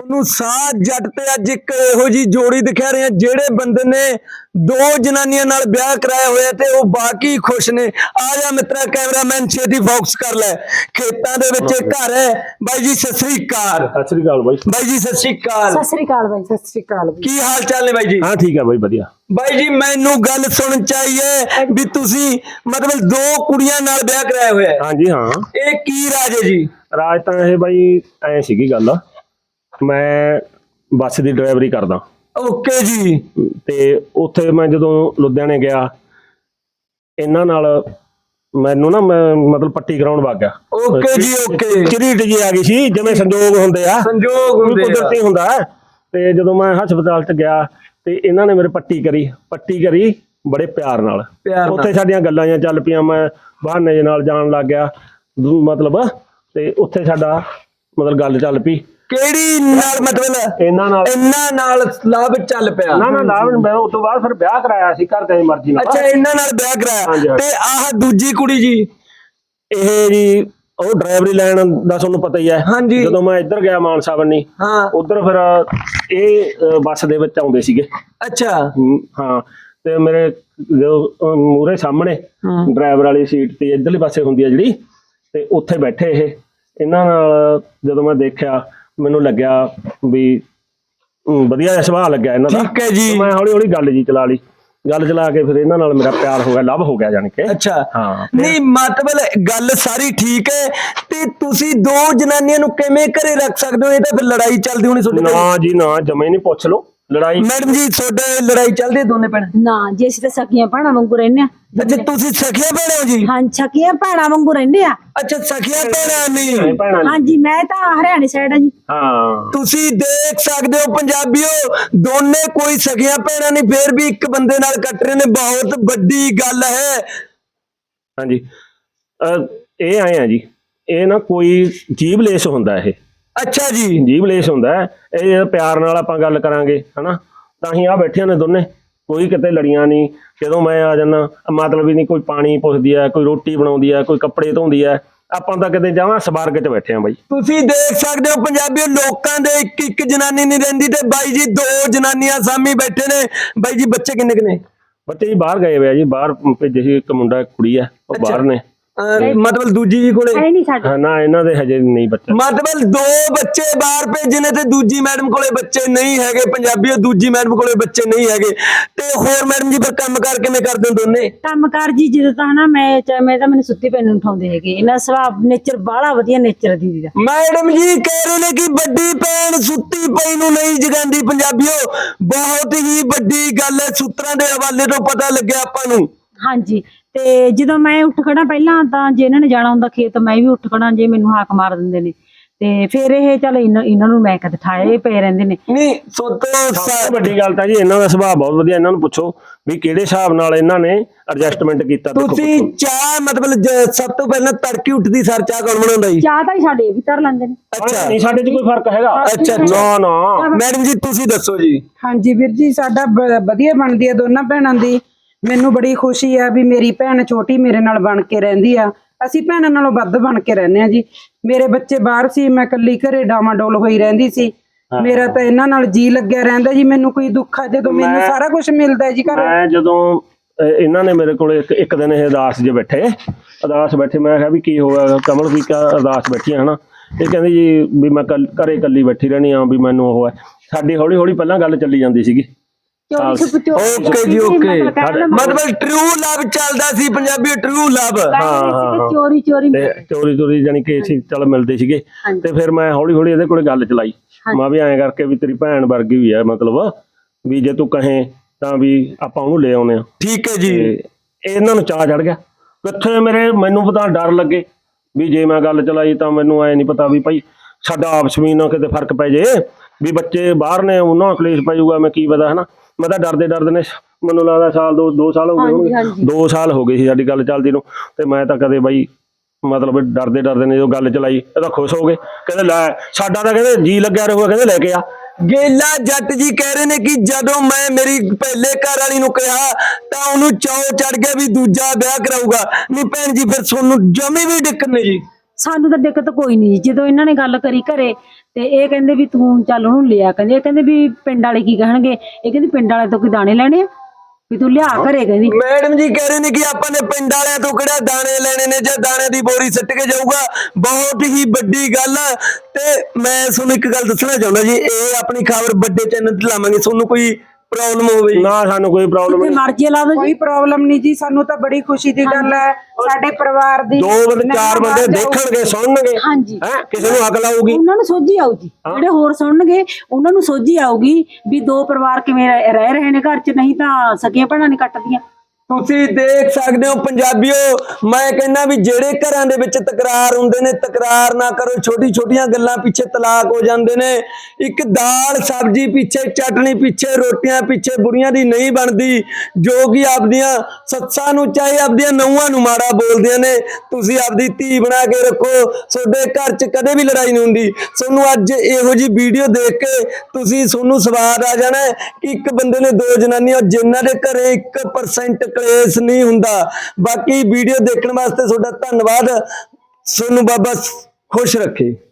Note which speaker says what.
Speaker 1: ਤੁਹਾਨੂੰ ਸਾਧ ਜੱਟ ਤੇ ਅੱਜ ਇੱਕ ਇਹੋ ਜੀ ਜੋੜੀ ਦਿਖਾ ਰਹੇ ਆ ਜਿਹੜੇ ਬੰਦੇ ਨੇ ਦੋ ਜਨਾਨੀਆਂ ਨਾਲ ਵਿਆਹ ਕਰਾਇਆ ਹੋਇਆ ਤੇ ਉਹ ਬਾਕੀ ਖੁਸ਼ ਨੇ। ਆ ਜਾ ਮਿੱਤਰਾ ਕੈਮਰਾਮੈਨ ਛੇਤੀ ਫੋਕਸ ਕਰ ਲੈ। ਖੇਤਾਂ ਦੇ ਵਿੱਚ ਘਰ ਹੈ। ਬਾਈ ਜੀ ਸਤਿ ਸ੍ਰੀ ਅਕਾਲ।
Speaker 2: ਸਤਿ ਸ੍ਰੀ ਅਕਾਲ ਬਾਈ।
Speaker 1: ਬਾਈ ਜੀ ਸਤਿ ਸ੍ਰੀ ਅਕਾਲ।
Speaker 3: ਸਤਿ ਸ੍ਰੀ ਅਕਾਲ ਬਾਈ। ਸਤਿ ਸ੍ਰੀ ਅਕਾਲ।
Speaker 1: ਕੀ ਹਾਲ ਚਾਲ ਨੇ ਬਾਈ ਜੀ?
Speaker 2: ਹਾਂ ਠੀਕ ਹੈ ਬਾਈ ਵਧੀਆ।
Speaker 1: ਬਾਈ ਜੀ ਮੈਨੂੰ ਗੱਲ ਸੁਣਨ ਚਾਹੀਏ ਵੀ ਤੁਸੀਂ ਮਤਲਬ ਦੋ ਕੁੜੀਆਂ ਨਾਲ ਵਿਆਹ ਕਰਾਇਆ ਹੋਇਆ ਹੈ।
Speaker 2: ਹਾਂਜੀ ਹਾਂ।
Speaker 1: ਇਹ ਕੀ ਰਾਜ ਹੈ ਜੀ?
Speaker 2: ਰਾਜ ਤਾਂ ਇਹ ਬਾਈ ਐ ਸੀਗੀ ਗੱਲ, ਮੈਂ ਬੱਸ ਦੀ ਡਰਾਈਵਰੀ ਕਰਦਾ।
Speaker 1: ਓਕੇ ਜੀ।
Speaker 2: ਤੇ ਉੱਥੇ ਮੈਂ ਜਦੋਂ ਲੁਧਿਆਣੇ ਗਿਆ ਇਹਨਾਂ ਨਾਲ ਮੈਨੂੰ ਨਾ ਮੈਂ ਮਤਲਬ ਪੱਟੀ ਕਰਾਉਣ ਵਗ ਗਿਆ।
Speaker 1: ਓਕੇ ਜੀ ਓਕੇ।
Speaker 2: ਝਰੀਟ ਜੀ ਆ ਗਈ ਸੀ, ਜਿਵੇਂ ਸੰਜੋਗ ਹੁੰਦੇ ਆ,
Speaker 1: ਸੰਜੋਗ ਹੁੰਦੇ ਆ,
Speaker 2: ਕੁਦਰਤੀ ਹੁੰਦਾ। ਤੇ ਜਦੋਂ ਮੈਂ ਹਸਪਤਾਲ ਚ ਗਿਆ ਤੇ ਇਹਨਾਂ ਨੇ ਮੇਰੇ ਪੱਟੀ ਕਰੀ ਬੜੇ ਪਿਆਰ ਨਾਲ। ਉੱਥੇ ਸਾਡੀਆਂ ਗੱਲਾਂ ਜਾਂ ਚੱਲ ਪਈਆਂ, ਮੈਂ ਬਹਾਨੇ ਦੇ ਨਾਲ ਜਾਣ ਲੱਗ ਗਿਆ ਮਤਲਬ, ਤੇ ਉੱਥੇ ਸਾਡਾ ਮਤਲਬ ਗੱਲ ਚੱਲ ਪਈ।
Speaker 1: ਕਿਹੜੀ ਨਾਲ? ਮਤਲਬ
Speaker 2: ਇਹਨਾਂ
Speaker 1: ਨਾਲ ਲਾਭ ਚੱਲ ਪਿਆ?
Speaker 2: ਨਾ ਲਾਭ ਮੈਂ ਉਸ ਤੋਂ ਬਾਅਦ ਫਿਰ ਵਿਆਹ ਕਰਾਇਆ ਸੀ ਘਰ ਦੀ ਮਰਜ਼ੀ ਨਾਲ।
Speaker 1: ਅੱਛਾ ਇਹਨਾਂ ਨਾਲ ਵਿਆਹ ਕਰਾਇਆ। ਤੇ ਆਹ ਦੂਜੀ ਕੁੜੀ ਜੀ,
Speaker 2: ਇਹ ਜੀ ਉਹ ਡਰਾਈਵਰੀ ਲਾਈਨ ਦਾ ਤੁਹਾਨੂੰ ਪਤਾ ਹੀ ਹੈ। ਜਦੋਂ ਮੈਂ ਇੱਧਰ ਗਿਆ ਮਾਨਸਾ ਬੰਨੀ, ਉਧਰ ਫਿਰ ਇਹ ਬੱਸ ਦੇ ਵਿੱਚ ਆਉਂਦੇ ਸੀਗੇ।
Speaker 1: ਅੱਛਾ
Speaker 2: ਹਾਂ। ਤੇ ਮੇਰੇ ਜੋ ਮੂਹਰੇ ਸਾਹਮਣੇ ਡਰਾਈਵਰ ਵਾਲੀ ਸੀਟ ਤੇ ਇੱਧਰਲੇ ਪਾਸੇ ਹੁੰਦੀ ਹੈ ਜਿਹੜੀ, ਤੇ ਉੱਥੇ ਬੈਠੇ ਇਹਨਾਂ ਨਾਲ ਜਦੋਂ ਮੈਂ ਦੇਖਿਆ ਮੈਨੂੰ ਲੱਗਿਆ ਵੀ ਵਧੀਆ ਜਿਹਾ ਸੁਭਾਅ ਲੱਗਿਆ ਇਹਨਾਂ ਦਾ।
Speaker 1: ਠੀਕ ਹੈ ਜੀ।
Speaker 2: ਮੈਂ ਹੌਲੀ ਹੌਲੀ ਗੱਲ ਚਲਾ ਲਈ। ਗੱਲ ਚਲਾ ਕੇ ਫਿਰ ਇਹਨਾਂ ਨਾਲ ਮੇਰਾ ਪਿਆਰ ਹੋ ਗਿਆ, ਲਵ ਹੋ ਗਿਆ ਜਾਣੀ ਕਿ।
Speaker 1: ਅੱਛਾ
Speaker 2: ਹਾਂ।
Speaker 1: ਨਹੀਂ ਮਤਲਬ ਗੱਲ ਸਾਰੀ ਠੀਕ ਹੈ, ਤੇ ਤੁਸੀਂ ਦੋ ਜਨਾਨੀਆਂ ਨੂੰ ਕਿਵੇਂ ਘਰੇ ਰੱਖ ਸਕਦੇ ਹੋ? ਇਹ ਤਾਂ ਫਿਰ ਲੜਾਈ ਚੱਲਦੀ ਹੋਣੀ ਤੁਹਾਡੇ?
Speaker 2: ਨਾ ਜੀ ਨਾ, ਜਮੇ ਨਹੀਂ ਪੁੱਛ ਲਓ ਲੜਾਈ।
Speaker 1: ਮੈਡਮ ਜੀ ਤੁਹਾਡੇ ਲੜਾਈ ਚੱਲਦੀ ਹੈ ਦੋਨੇ ਭੈਣ?
Speaker 3: ਨਾ ਜੀ ਅਸੀਂ ਤਾਂ ਸਕੀਆਂ ਭੈਣਾਂ ਵਾਂਗੂ ਰਹਿੰਦੇ ਆ।
Speaker 1: ਅੱਛਾ ਤੁਸੀਂ ਸਖੀਆਂ ਭੈਣਾਂ ਹੋ ਜੀ?
Speaker 3: ਹਾਂ ਸਕੀਆਂ ਭੈਣਾਂ ਵਾਂਗੂ ਰਹਿੰਦੇ ਆ।
Speaker 1: ਅੱਛਾ ਸਖੀਆਂ ਭੈਣਾਂ ਨਹੀਂ?
Speaker 3: ਹਾਂਜੀ ਮੈਂ ਤਾਂ ਹਰਿਆਣੇ ਸਾਈਡ ਆ ਜੀ।
Speaker 2: ਹਾਂ
Speaker 1: ਤੁਸੀਂ ਦੇਖ ਸਕਦੇ ਹੋ ਪੰਜਾਬੀਓ, ਦੋਨੇ ਕੋਈ ਸਖੀਆਂ ਭੈਣਾਂ ਨਹੀਂ, ਫੇਰ ਵੀ ਇੱਕ ਬੰਦੇ ਨਾਲ ਕੱਟ ਰਹੇ ਨੇ, ਬਹੁਤ ਵੱਡੀ ਗੱਲ ਹੈ।
Speaker 2: ਹਾਂਜੀ ਇਹ ਆਏ ਆ ਜੀ, ਇਹ ਨਾ ਕੋਈ ਜੀਭ ਲੇਸ ਹੁੰਦਾ ਇਹ।
Speaker 1: ਅੱਛਾ ਜੀ।
Speaker 2: ਜੀਭ ਲੇਸ ਹੁੰਦਾ। ਇਹ ਪਿਆਰ ਨਾਲ ਆਪਾਂ ਗੱਲ ਕਰਾਂਗੇ ਹਨਾ, ਤਾਂ ਹੀ ਆ ਬੈਠੀਆਂ ਨੇ ਦੋਨੇ, ਕੋਈ ਕਿਤੇ ਲੜੀਆਂ ਨਹੀਂ। ਜਦੋਂ ਮੈਂ ਆ ਜਾਣਾ ਮਤਲਬ ਹੀ ਨਹੀਂ, ਕੋਈ ਪਾਣੀ ਪੁੱਛਦੀ ਹੈ, ਕੋਈ ਰੋਟੀ ਬਣਾਉਂਦੀ ਹੈ, ਕੋਈ ਕੱਪੜੇ ਧੋਂਦੀ ਹੈ। ਆਪਾਂ ਤਾਂ ਕਿਤੇ ਜਾਵਾਂ ਸਵਰਗ 'ਚ ਬੈਠੇ ਆ ਬਾਈ। ਤੁਸੀਂ
Speaker 1: ਦੇਖ ਸਕਦੇ ਹੋ ਪੰਜਾਬੀਓ, ਲੋਕਾਂ ਦੇ ਇੱਕ ਜਨਾਨੀ ਨਹੀਂ ਰਹਿੰਦੀ, ਤੇ ਬਾਈ ਜੀ ਦੋ ਜਨਾਨੀਆਂ ਸਾਹਮਣੇ ਬੈਠੇ ਨੇ। ਬਾਈ ਜੀ ਬੱਚੇ ਕਿੰਨੇ ਕਿੰਨੇ?
Speaker 2: ਬੱਚੇ ਜੀ ਬਾਹਰ ਗਏ ਹੋਏ ਆ ਜੀ, ਬਾਹਰ ਭੇਜੇ ਸੀ। ਇੱਕ ਮੁੰਡਾ ਇੱਕ ਕੁੜੀ ਆ, ਉਹ ਬਾਹਰ ਨੇ।
Speaker 1: ਮਤਲਬ ਦੂਜੀ ਜੀ ਕੋਲੇ
Speaker 2: ਨਾ ਇਹਨਾਂ ਦੇ ਹਜੇ ਨਹੀਂ ਬੱਚੇ।
Speaker 1: ਮਤਲਬ ਦੋ ਬੱਚੇ ਬਾਹਰ ਭੇਜੇ ਨੇ ਤੇ ਦੂਜੀ ਮੈਡਮ ਕੋਲੇ ਬੱਚੇ ਨਹੀਂ ਹੈਗੇ। ਪੰਜਾਬੀਓ ਦੂਜੀ ਮੈਡਮ ਕੋਲੇ ਬੱਚੇ ਨਹੀਂ ਹੈਗੇ। ਤੇ ਹੋਰ ਮੈਡਮ ਜੀ ਫਿਰ ਕੰਮ ਕਾਰ ਕਿਵੇਂ ਕਰਦੇ ਹੋ ਦੋਨੇ?
Speaker 3: ਕੰਮ ਕਾਰ ਜੀ ਜਦੋਂ ਤਾਂ ਨਾ ਮੈਂ ਤਾਂ ਮੈਨੂੰ ਸੁੱਤੀ ਪਈ ਨੂੰ ਉਠਾਉਂਦੇ ਹੈਗੇ। ਇਹਨਾਂ ਸੁਭਾਅ ਨੇਚਰ ਬਾਹਲਾ ਵਧੀਆ ਨੇਚਰ ਦੀਦੀ ਦਾ।
Speaker 1: ਮੈਡਮ ਜੀ ਕਹਿ ਰਹੇ ਨੇ ਕਿ ਵੱਡੀ ਭੈਣ ਸੁੱਤੀ ਪਈ ਨੂੰ ਨਹੀਂ ਜਗਾਉਂਦੀ। ਪੰਜਾਬੀਓ ਬਹੁਤ ਹੀ ਵੱਡੀ ਗੱਲ ਹੈ, ਸੂਤਰਾਂ ਦੇ ਹਵਾਲੇ ਤੋਂ ਪਤਾ ਲੱਗਿਆ ਆਪਾਂ ਨੂੰ।
Speaker 3: ਹਾਂਜੀ ਤੇ ਜਦੋਂ ਮੈਂ ਉੱਠ ਖੜਾ ਪਹਿਲਾਂ ਤਾਂ ਜੇ ਇਹਨਾਂ ਨੇ ਜਾਣਾ ਹੁੰਦਾ ਖੇਤ, ਮੈਂ ਵੀ ਉੱਠ ਖੜਾ, ਜੇ ਮੈਨੂੰ ਹਾਕ ਮਾਰ ਦਿੰਦੇ ਨੇ ਤੇ ਫਿਰ ਇਹ ਚੱਲ ਇਹਨਾਂ ਨੂੰ ਮੈਂ ਕਦੇ ਠਾਏ ਪਏ ਰਹਿੰਦੇ ਨੇ।
Speaker 1: ਨਹੀਂ
Speaker 2: ਸਭ ਤੋਂ ਵੱਡੀ ਗੱਲ ਤਾਂ ਜੀ ਇਹਨਾਂ ਦਾ ਸੁਭਾਅ ਬਹੁਤ ਵਧੀਆ। ਇਹਨਾਂ ਨੂੰ ਪੁੱਛੋ ਵੀ ਕਿਹੜੇ ਹਿਸਾਬ ਨਾਲ ਇਹਨਾਂ ਨੇ ਐਡਜਸਟਮੈਂਟ ਕੀਤਾ।
Speaker 1: ਤੁਸੀਂ ਚਾਹ ਮਤਲਬ ਸਭ ਤੋਂ ਪਹਿਲਾਂ ਤੜਕੀ ਉੱਠਦੀ ਸਰ ਚਾਹ ਕੌਣ ਬਣਾਉਂਦਾ ਜੀ?
Speaker 3: ਚਾਹ ਤਾਂ ਸਾਡੇ ਵੀ ਧਰ ਲੈਂਦੇ ਨੇ।
Speaker 1: ਅੱਛਾ
Speaker 2: ਨਹੀਂ ਸਾਡੇ 'ਚ ਕੋਈ ਫਰਕ ਹੈਗਾ?
Speaker 1: ਅੱਛਾ ਨਾ ਮੈਡਮ ਜੀ ਤੁਸੀਂ ਦੱਸੋ ਜੀ।
Speaker 4: ਹਾਂਜੀ ਵੀਰ ਜੀ ਸਾਡਾ ਵਧੀਆ ਬਣਦੀ ਆ ਦੋਨਾਂ ਭੈਣਾਂ ਦੀ। ਮੈਨੂੰ ਬੜੀ ਖੁਸ਼ੀ ਆ ਵੀ ਮੇਰੀ ਭੈਣ ਛੋਟੀ ਮੇਰੇ ਨਾਲ ਬਣ ਕੇ ਰਹਿੰਦੀ ਆ। ਅਸੀਂ ਭੈਣਾਂ ਨਾਲੋਂ ਵੱਧ ਬਣ ਕੇ ਰਹਿੰਦੇ ਆ ਜੀ। ਮੇਰੇ ਬੱਚੇ ਬਾਹਰ ਸੀ, ਮੈਂ ਇਕੱਲੀ ਘਰੇ ਡਾਮਾਡੋਲ ਹੋਈ ਰਹਿੰਦੀ ਸੀ। ਮੇਰਾ ਤਾਂ ਇਹਨਾਂ ਨਾਲ ਜੀ ਲੱਗਿਆ ਰਹਿੰਦਾ ਜੀ। ਮੈਨੂੰ ਕੋਈ ਦੁੱਖ ਆ ਜਦੋਂ ਮੈਨੂੰ ਸਾਰਾ ਕੁਝ ਮਿਲਦਾ ਜੀ ਘਰ।
Speaker 2: ਮੈਂ ਜਦੋਂ ਇਹਨਾਂ ਨੇ ਮੇਰੇ ਕੋਲ ਇੱਕ ਦਿਨ ਇਹ ਅਰਦਾਸ ਜੇ ਬੈਠੇ, ਮੈਂ ਕਿਹਾ ਵੀ ਕੀ ਹੋਇਆ ਕਮਲ, ਵੀ ਅਰਦਾਸ ਬੈਠੀ ਹਨਾ। ਇਹ ਕਹਿੰਦੀ ਜੀ ਵੀ ਮੈਂ ਘਰੇ ਇਕੱਲੀ ਬੈਠੀ ਰਹਿਣੀ ਆ, ਵੀ ਮੈਨੂੰ ਉਹ ਹੈ। ਸਾਡੀ ਹੌਲੀ ਹੌਲੀ ਪਹਿਲਾਂ ਗੱਲ ਚੱਲੀ ਜਾਂਦੀ ਸੀਗੀ।
Speaker 1: ਓਕੇ ਜੀ ਓਕੇ। ਮਤਲਬ ਟਰੂ ਲਵ ਚੱਲਦਾ ਸੀ ਪੰਜਾਬੀ, ਟਰੂ ਲਵ।
Speaker 3: ਚੋਰੀ
Speaker 2: ਜਾਨੀ ਕਿ ਅਸੀਂ ਚੱਲ ਮਿਲਦੇ ਸੀਗੇ। ਤੇ ਫਿਰ ਮੈਂ ਹੌਲੀ ਹੌਲੀ ਇਹਦੇ ਕੋਲੇ ਗੱਲ ਚਲਾਈ। ਮੈਂ ਵੀ ਐਂ ਕਰਕੇ ਵੀ ਤੇਰੀ ਭੈਣ ਵਰਗੀ ਵੀ ਹੈ, ਮਤਲਬ ਵੀ ਜੇ ਤੂੰ ਕਹੇ ਤਾਂ ਵੀ ਆਪਾਂ ਉਹਨੂੰ ਲੈ ਆਉਨੇ ਆ।
Speaker 1: ਠੀਕ ਹੈ ਜੀ।
Speaker 2: ਇਹਨਾਂ ਨੂੰ ਚਾਅ ਚੜ ਗਿਆ ਕਿੱਥੇ ਮੈਨੂੰ ਪਤਾ ਡਰ ਲੱਗੇ ਵੀ ਜੇ ਮੈਂ ਗੱਲ ਚਲਾਈ ਤਾਂ ਮੈਨੂੰ ਐ ਨਹੀਂ ਪਤਾ ਵੀ ਭਾਈ ਸਾਡਾ ਆਪਸ ਵਿੱਚ ਨਾ ਕਿਤੇ ਫਰਕ ਪੈ ਜੇ, ਵੀ ਬੱਚੇ ਬਾਹਰ ਨੇ ਉਹਨਾਂ ਕਲੇਸ਼ ਪੈ ਜਾਊਗਾ, ਮੈਂ ਕੀ ਪਤਾ ਹਨਾ। ਮੈਂ ਤਾਂ ਡਰਦੇ ਨੇ ਮੈਨੂੰ ਲੱਗਦਾ ਸਾਲ ਦੋ ਸਾਲ ਹੋ ਗਏ ਹੋਣਗੇ। 2 ਸਾਲ ਹੋ ਗਏ ਸੀ ਸਾਡੀ ਗੱਲ ਚੱਲਦੀ ਨੂੰ। ਤੇ ਮੈਂ ਤਾਂ ਕਦੇ ਬਾਈ ਮਤਲਬ ਡਰਦੇ ਨੇ ਜਦੋਂ ਗੱਲ ਚਲਾਈ ਇਹ ਤਾਂ ਖੁਸ਼ ਹੋ ਗਏ। ਕਹਿੰਦੇ ਲੈ ਸਾਡਾ ਤਾਂ ਕਹਿੰਦੇ ਜੀ ਲੱਗਿਆ ਰਹੂਗਾ, ਕਹਿੰਦੇ ਲੈ ਕੇ ਆ।
Speaker 1: ਗੇਲਾ ਜੱਟ ਜੀ ਕਹਿ ਰਹੇ ਨੇ ਕਿ ਜਦੋਂ ਮੈਂ ਮੇਰੀ ਪਹਿਲੇ ਘਰ ਵਾਲੀ ਨੂੰ ਕਿਹਾ ਤਾਂ ਉਹਨੂੰ ਚਾਅ ਚੜ ਗਿਆ ਵੀ ਦੂਜਾ ਵਿਆਹ ਕਰਾਊਗਾ। ਨਹੀਂ ਭੈਣ ਜੀ ਫਿਰ ਤੁਹਾਨੂੰ ਜਮੀ ਵੀ ਦਿੱਕਤ ਨਹੀਂ ਜੀ?
Speaker 3: ਸਾਨੂੰ ਤਾਂ ਦਿੱਕਤ ਕੋਈ ਨਹੀਂ। ਜਦੋਂ ਇਹਨਾਂ ਨੇ ਗੱਲ ਕਰੀ ਘਰੇ ਤੇ ਇਹ ਕਹਿੰਦੇ ਵੀ ਤੂੰ ਚੱਲ ਉਹਨੂੰ ਲਿਆ, ਕਹਿੰਦੇ ਇਹ ਕਹਿੰਦੇ ਵੀ ਪਿੰਡ ਵਾਲੇ ਕੀ ਕਹਿਣਗੇ, ਇਹ ਕਹਿੰਦੀ ਪਿੰਡ ਵਾਲੇ ਤੋਂ ਕੋਈ ਦਾਣੇ ਲੈਣੇ ਆ ਵੀ ਤੂੰ ਲਿਆ ਘਰੇ, ਕਹਿੰਦੀ
Speaker 1: ਮੈਡਮ ਜੀ ਕਹਿ ਰਹੇ ਨੇ ਕਿ ਆਪਾਂ ਨੇ ਪਿੰਡ ਵਾਲਿਆਂ ਤੋਂ ਕਿਹੜਾ ਦਾਣੇ ਲੈਣੇ ਨੇ ਜਾਂ ਦਾਣੇ ਦੀ ਬੋਰੀ ਸਿੱਟ ਕੇ ਜਾਊਗਾ। ਬਹੁਤ ਹੀ ਵੱਡੀ ਗੱਲ ਆ। ਤੇ ਮੈਂ ਤੁਹਾਨੂੰ ਇੱਕ ਗੱਲ ਦੱਸਣਾ ਚਾਹੁੰਦਾ ਜੀ, ਇਹ ਆਪਣੀ ਖਬਰ ਵੱਡੇ ਚੈਨਲ ਤੇ ਲਾਵਾਂਗੇ, ਤੁਹਾਨੂੰ ਕੋਈ ਪ੍ਰੋਬਲਮ ਹੋਵੇ ਜੀ?
Speaker 2: ਨਾ ਸਾਨੂੰ ਕੋਈ ਪ੍ਰੋਬਲਮ ਨਹੀਂ।
Speaker 3: ਮਰਜ਼ੀ ਲਾ ਦੋ
Speaker 4: ਕੋਈ ਪ੍ਰੋਬਲਮ ਨਹੀਂ ਜੀ, ਸਾਨੂੰ ਤਾਂ ਬੜੀ ਖੁਸ਼ੀ ਦੀ ਗੱਲ ਹੈ ਸਾਡੇ ਪਰਿਵਾਰ ਦੀ।
Speaker 2: 2 ਬੰਦੇ 4 ਬੰਦੇ ਦੇਖਣਗੇ ਸੁਣਨਗੇ,
Speaker 3: ਹਾਂਜੀ
Speaker 2: ਹੈ ਕਿਸੇ ਨੂੰ ਅਕਲ ਆਊਗੀ।
Speaker 3: ਉਹਨਾਂ ਨੂੰ ਸੋਝੀ ਆਊ ਜੀ, ਜਿਹੜੇ ਹੋਰ ਸੁਣਨਗੇ ਉਹਨਾਂ ਨੂੰ ਸੋਝੀ ਆਊਗੀ ਵੀ 2 ਪਰਿਵਾਰ ਕਿਵੇਂ ਰਹਿ ਰਹੇ ਨੇ ਘਰ 'ਚ, ਨਹੀਂ ਤਾਂ ਸਕੀਆਂ ਭੈਣਾਂ ਨਹੀਂ ਕੱਟਦੀਆਂ।
Speaker 1: ਤੁਸੀਂ ਦੇਖ ਸਕਦੇ ਹੋ ਪੰਜਾਬੀਓ, ਮੈਂ ਕਹਿੰਦਾ ਵੀ ਜਿਹੜੇ ਘਰਾਂ ਦੇ ਵਿੱਚ ਤਕਰਾਰ ਹੁੰਦੇ ਨੇ, ਤਕਰਾਰ ਨਾ ਕਰੋ। ਛੋਟੀ ਛੋਟੀਆਂ ਗੱਲਾਂ ਪਿੱਛੇ ਤਲਾਕ ਹੋ ਜਾਂਦੇ ਨੇ। ਇੱਕ ਦਾਲ ਸਬਜ਼ੀ ਪਿੱਛੇ, ਚਟਣੀ ਪਿੱਛੇ, ਰੋਟੀਆਂ ਪਿੱਛੇ ਬੁੜੀਆਂ ਦੀ ਨਹੀਂ ਬਣਦੀ, ਜੋ ਕਿ ਆਪਦੀਆਂ ਸੱਸਾਂ ਨੂੰ ਚਾਹੇ ਆਪਦੀਆਂ ਨੂੰਹਾਂ ਨੂੰ ਮਾੜਾ ਬੋਲਦੀਆਂ ਨੇ। ਤੁਸੀਂ ਆਪਦੀ ਧੀ ਬਣਾ ਕੇ ਰੱਖੋ, ਤੁਹਾਡੇ ਘਰ 'ਚ ਕਦੇ ਵੀ ਲੜਾਈ ਨਹੀਂ ਹੁੰਦੀ। ਤੁਹਾਨੂੰ ਅੱਜ ਇਹੋ ਜਿਹੀ ਵੀਡੀਓ ਦੇਖ ਕੇ ਤੁਹਾਨੂੰ ਸਵਾਦ ਆ ਜਾਣਾ ਕਿ ਇੱਕ ਬੰਦੇ ਨੇ 2 ਜਨਾਨੀਆਂ, ਜਿਨ੍ਹਾਂ ਦੇ ਘਰੇ 1% ਕਲੇਸ਼ ਨਹੀਂ ਹੁੰਦਾ। ਬਾਕੀ ਵੀਡੀਓ ਦੇਖਣ ਵਾਸਤੇ ਤੁਹਾਡਾ ਧੰਨਵਾਦ। ਤੁਹਾਨੂੰ ਬਾਬਾ ਖੁਸ਼ ਰੱਖੇ।